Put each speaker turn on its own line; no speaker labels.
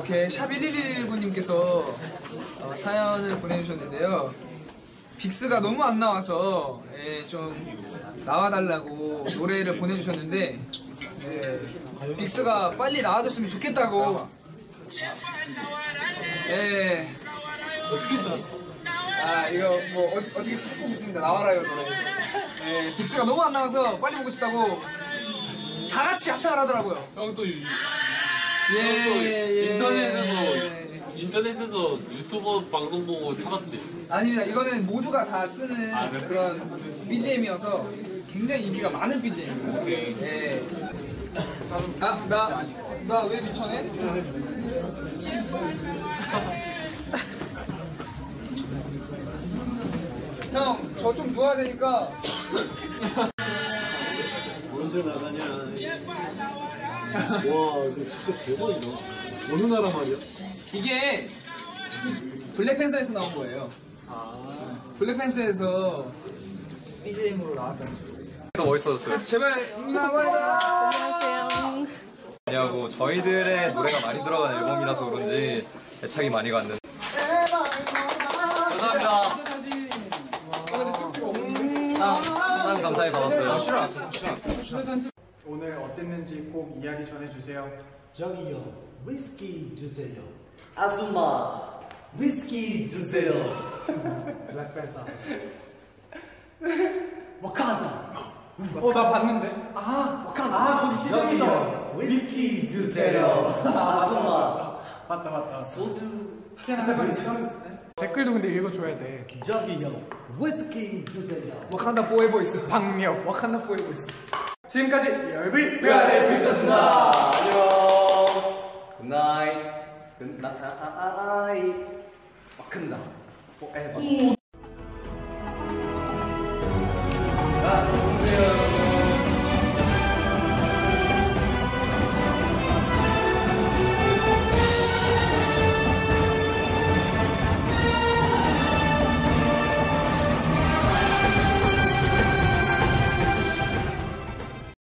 이렇게 샵 1119님께서 사연을 보내주셨는데요. 빅스가 너무 안 나와서 좀 나와달라고 노래를 보내주셨는데 빅스가 빨리 나와줬으면 좋겠다고.
어떻게 나왔어?
이거 뭐 어떻게 찾고 있습니다. 나와라요 노래. 빅스가 너무 안 나와서 빨리 보고 싶다고 다 같이 합창을 하더라고요.
형 또
예.
인터넷에서 유튜버 방송 보고 찾았지?
아닙니다. 이거는 모두가 다 쓰는
그래?
그런 BGM이어서 굉장히 인기가 많은 BGM입니다.
오케이.
예. 나 왜 미쳐네? 형, 저 좀 누워야 되니까.
언제 나가냐? 와, 이거 진짜 대박이다. 어느 나라 말이야?
이게 블랙팬서에서 나온 거예요. 블랙팬서에서 BGM으로 나왔다는 거예요.
더 멋있어졌어요.
제발 나와라.
안녕하세요.
왜냐고 저희들의 노래가 많이 들어간 앨범이라서 그런지 애착이 많이 갔는데. 감사합니다. 사랑 감사히 받았어요.
오늘 어땠는지 꼭 이야기 전해주세요.
저기요, 위스키 주세요. 아줌마, 위스키 주세요. 블랙팬서. 와칸다.
나 봤는데.
와칸다.
거기 시장에서.
위스키 주세요. 아줌마.
맞다.
소주.
댓글도 근데 읽어줘야 돼.
저기요, 위스키 주세요.
와칸다 포에버 있어.
박력.
와칸다 포에버 있어.
지금까지 열불
네, 있었습니다. 안녕. 굿나잇. 굿나잇. 와칸다. 포에버.